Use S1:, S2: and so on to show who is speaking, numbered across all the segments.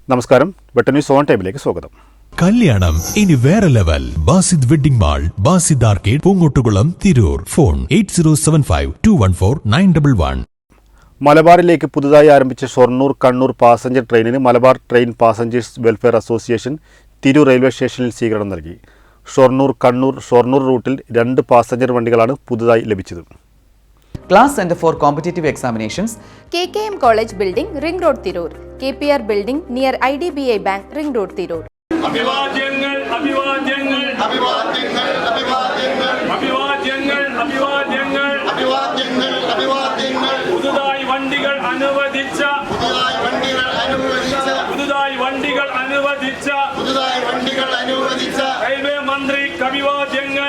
S1: നമസ്കാരം, വെട്ടന്യൂസ് ഓൺ ടൈമിലേക്ക് സ്വാഗതം.
S2: കല്യാണം ഇനി വേറെ level. Basid wedding mall, Basid arcade, Poongottukulam, Tirur. Phone 8075214911.
S1: മലബാറിലേക്ക് പുതുതായി ആരംഭിച്ച ഷൊർണൂർ കണ്ണൂർ പാസഞ്ചർ ട്രെയിനിന് Malabar train passengers welfare association Tirur railway സ്റ്റേഷനിൽ സ്വീകരണം നൽകി. ഷൊർണൂർ കണ്ണൂർ റൂട്ടിൽ 2 പാസഞ്ചർ വണ്ടികളാണ് പുതുതായി ലഭിച്ചത്.
S3: Class Center for Competitive Examinations,
S4: KKM College Building, Ring Road, Tirur. KPR Building near IDBI Bank, Ring Road, Tirur.
S5: അഭിവാദ്യങ്ങൾ അഭിവാദ്യങ്ങൾ അഭിവാദ്യങ്ങൾ അഭിവാദ്യങ്ങൾ അഭിവാദ്യങ്ങൾ അഭിവാദ്യങ്ങൾ അഭിവാദ്യങ്ങൾ അഭിവാദ്യങ്ങൾ പുതുതായി വണ്ടികൾ അനുവദിച്ച പുതുതായി വണ്ടികൾ അനുവദിച്ച റെയിൽവേ മന്ത്രിക്ക് അഭിവാദ്യങ്ങൾ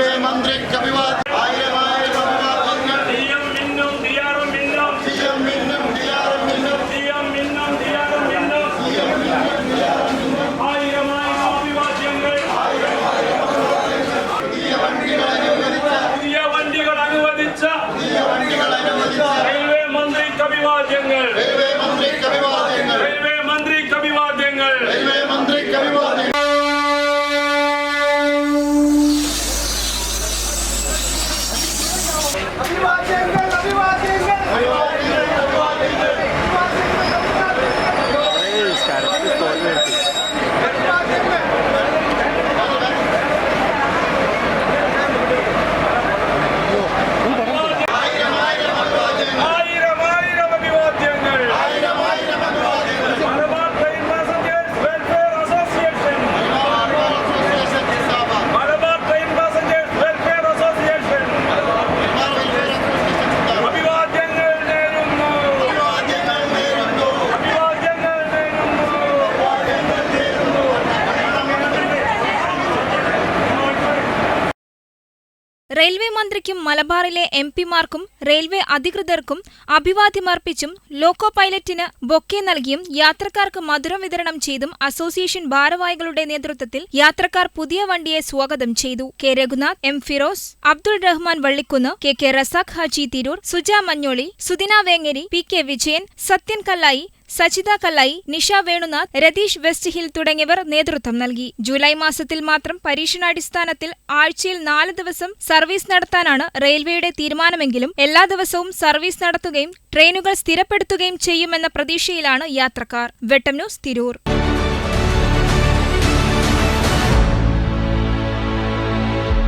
S6: റെയിൽവേ മന്ത്രിക്കും മലബാറിലെ എംപിമാർക്കും റെയിൽവേ അധികൃതർക്കും അഭിവാദ്യമർപ്പിച്ചും ലോക്കോ പൈലറ്റിന് ബൊക്കെ നൽകിയും യാത്രക്കാർക്ക് മധുരം വിതരണം ചെയ്തും അസോസിയേഷൻ ഭാരവാഹികളുടെ നേതൃത്വത്തിൽ യാത്രക്കാർ പുതിയ വണ്ടിയെ സ്വാഗതം ചെയ്തു. K Raghunath, M Firoz, Abdul Rahman Vallikkunnu, K Razak Haji Tirur, Suja Manjoli, Sudina Vengeri, P K Vijayan, Sathyan Kallayi, Sajitha Kallayi, Nisha Venunath, Ratheesh West Hill തുടങ്ങിയവർ നേതൃത്വം നൽകി. ജൂലൈ മാസത്തിൽ മാത്രം പരീക്ഷണാടിസ്ഥാനത്തിൽ ആഴ്ചയിൽ 4 ദിവസം സർവീസ് നടത്താനാണ് റെയിൽവേയുടെ തീരുമാനമെങ്കിലും എല്ലാ ദിവസവും സർവീസ് നടത്തുകയും ട്രെയിനുകൾ സ്ഥിരപ്പെടുത്തുകയും ചെയ്യുമെന്ന പ്രതീക്ഷയിലാണ് യാത്രക്കാർ. വെട്ടം ന്യൂസ്, തിരൂർ.